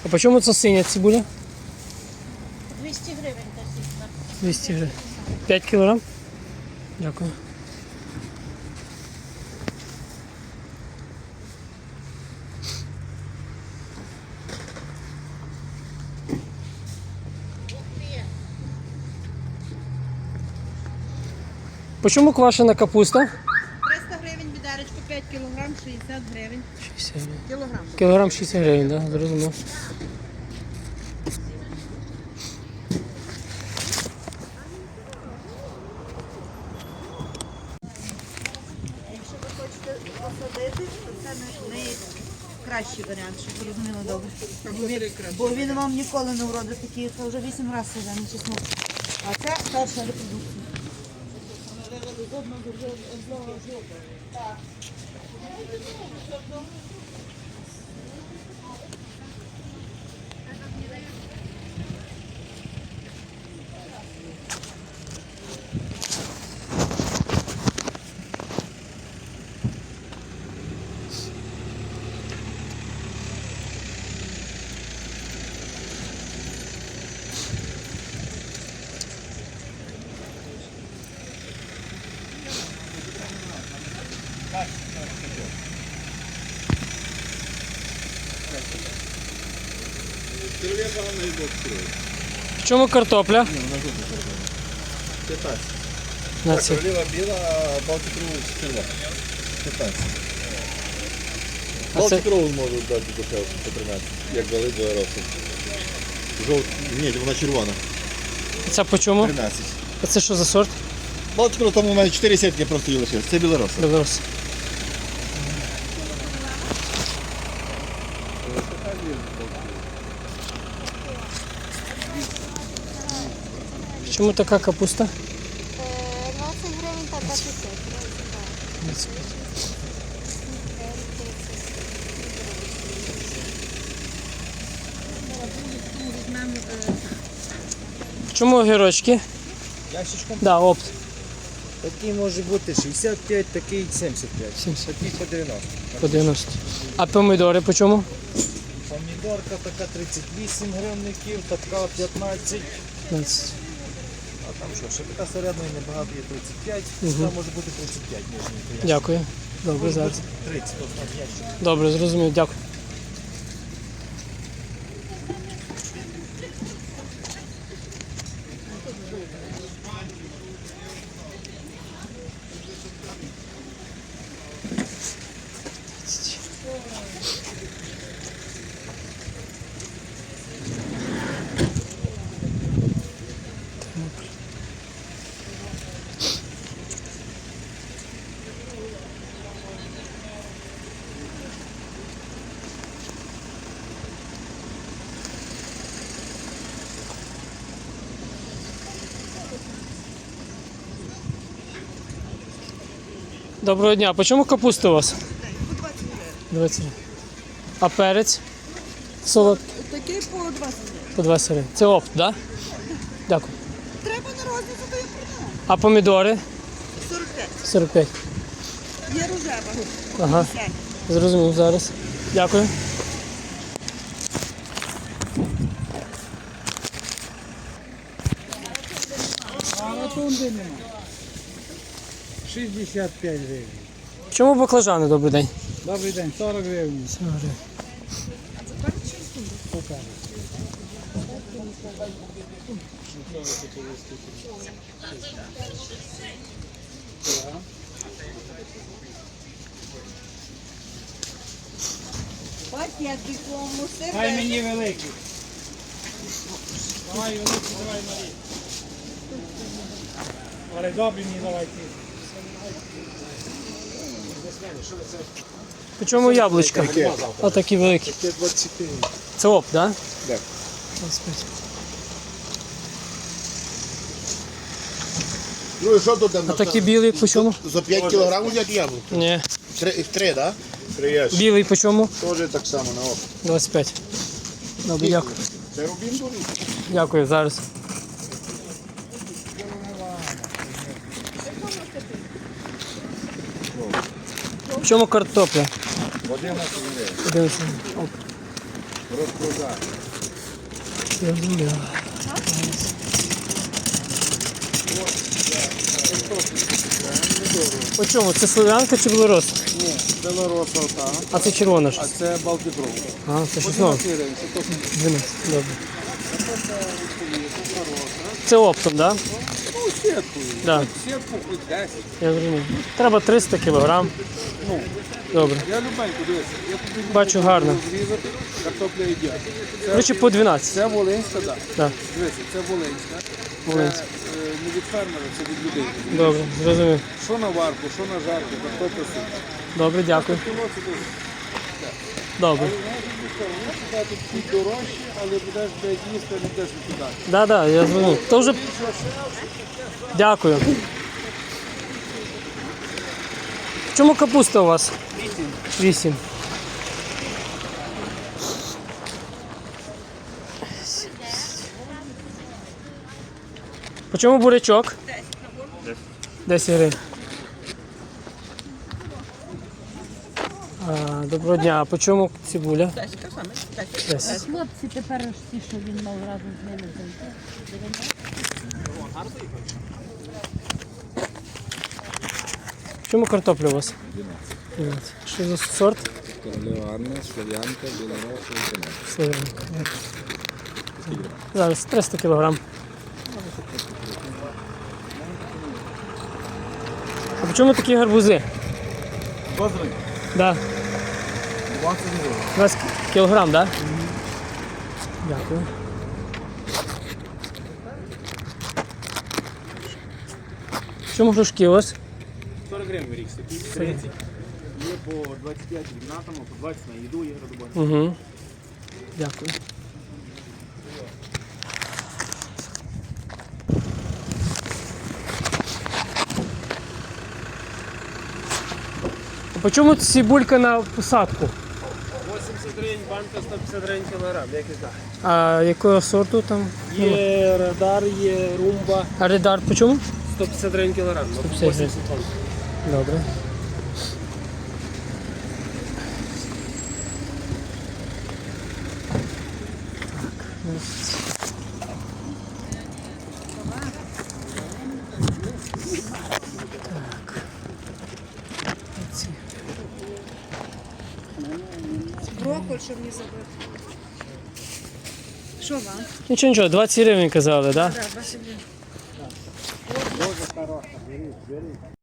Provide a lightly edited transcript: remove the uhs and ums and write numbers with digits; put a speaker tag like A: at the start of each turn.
A: А по чому це синя цибуля?
B: 200 гривень та сітка.
A: 200 гривень. 5 кілограм? Дякую. По чому квашена капуста?
B: 300 гривень відеречко, 5 кілограм, 60 гривень.
A: 60 гривень.
B: Кілограм.
A: Кілограм 60 гривень, так, да? Зрозумів.
B: Якщо ви хочете посадити, то це найкращий варіант, щоб ви розуміли добре. Бо він вам ніколи не вродить такий, це вже 8 разів саджаний чеснок. А це перша репродукція.
A: В чому картопля?
C: 15.
A: На ці.
C: Королева біла, а Балтик Роуз червона. 15.
A: А це
C: Балтик Роуз можуть дати дешевше по 13, як дали до Аероси. Ні, вона червона.
A: це по чому?
C: 13.
A: А це що за сорт?
C: Балтик Роуз, там у мене 4 сітки просто її лишилось. Це білороса.
A: Білорус. В чому така капуста?
D: 20 гривень та 25.
A: 25. В чому огірочки?
E: Ящичком
A: Да, опт.
E: такий може бути 65, такий 75.
A: 70.
E: Такий по 90.
A: По 90. А помідори по чому?
E: Помідорка така 38 гривників, така 15.
A: 15.
E: А там що, ще така середня небагато є 35,
A: Мгм.
E: там може бути 35 ніжненько.
A: Дякую. Добре,
E: Може
A: зараз.
E: бути 30, то там ящик.
A: Добре, зрозумів, дякую. Доброго дня. По чому капуста у вас? 20 гривень. А перець? Солод?
B: Такий по 20 гривень.
A: По 20 гривень. Це опт, так? Да? Дякую.
B: Треба на розницю, то я продам.
A: А помідори?
B: 45.
A: 45.
B: Є рожева.
A: Ага. Зрозумів зараз. Дякую.
F: А ротунди нема. 65 гривень.
A: Чому баклажани, добрий день?
F: Добрий день, 40 гривень.
A: 40 гривень.
B: Пакетик кому
F: Дай
B: себе.
F: мені великий. Давай великий, давай малі. Але добрі мені давай ці.
A: По чому яблучка? Отакі великі.
C: Це 25.
A: Це опт, так? Да?
C: Так.
A: 25.
C: Ну і що тут?
A: А такі білі по чому?
C: За 5 кілограмів як яблуко?
A: Ні.
C: 3, так? 3 ящики.
A: Білий по чому?
C: Теж так само на око.
A: 25. Добре, дякую.
C: Це рубін дуже.
A: Дякую, зараз. В чому картопля?
C: 11 гривень.
A: 11. Оп.
E: Розпродаж.
A: Зрозуміло. По чому? Це слов'янка чи білорос?
E: Ні, белороса ота,
A: А це червона ж.
E: а це Балтібров.
A: А, це щось нове.
E: 12 гривень, це точно
A: 12. Добре. Це оптом, так? Да?
E: ну, сіткою.
A: Да.
E: Сітку хоч 10.
A: Я зрозумів. Треба 300 кілограм.
E: Ну,
A: Добре.
E: я любеньку, дивися. Я тобі
A: Бачу, гарно.
E: зрізати, картопля ідеальна.
A: До речі, по 12.
E: Це Волинська, так.
A: Так,
E: Дивися, це Волинська.
A: Волинська.
E: Це не від фермера, це від людей.
A: добре, зрозумів.
E: Що на варку, що на жарку, картопля суп.
A: Добре, дякую.
E: Кіло це дуже.
A: Добре.
E: Тут чуть дорожче, але будеш блядь, їсти, не будеш викидати.
A: Да, да, я зрозумів. То вже. Дякую. В чому капуста у вас? 8. По чому бурячок? 10 гривень. Доброго дня. А по чому цибуля? 10.
G: Хлопці тепер ж ті, що він мав разом з ними зайти.
A: В чому картопля у вас? 12. Що за сорт?
C: Королева Анна, Слов'янка, Білороса і Канада.
A: Слов'янка. Зараз 300 кілограм. А по чому такі гарбузи? Да. 20 кілограм, так? Да? Дякую. В чому грушки у вас?
E: 40 гривень рік такий. 30. Є по 25 гігнатами, по 20 на їду є родобой.
A: Угу. Дякую. А по чому цибулька на посадку?
E: 80 гривень, банка 150 гривень кілограм, як і так.
A: А якого сорту там?
E: Є радар, є румба,
A: А редар по чому?
E: 150 гривень кілограм.
A: 150 гривень. Добре.
B: Брокколь, щоб не забити. Що вам?
A: Нічого, нічого, 20 гривень казали, так? Да?
B: Так, 20 гривень.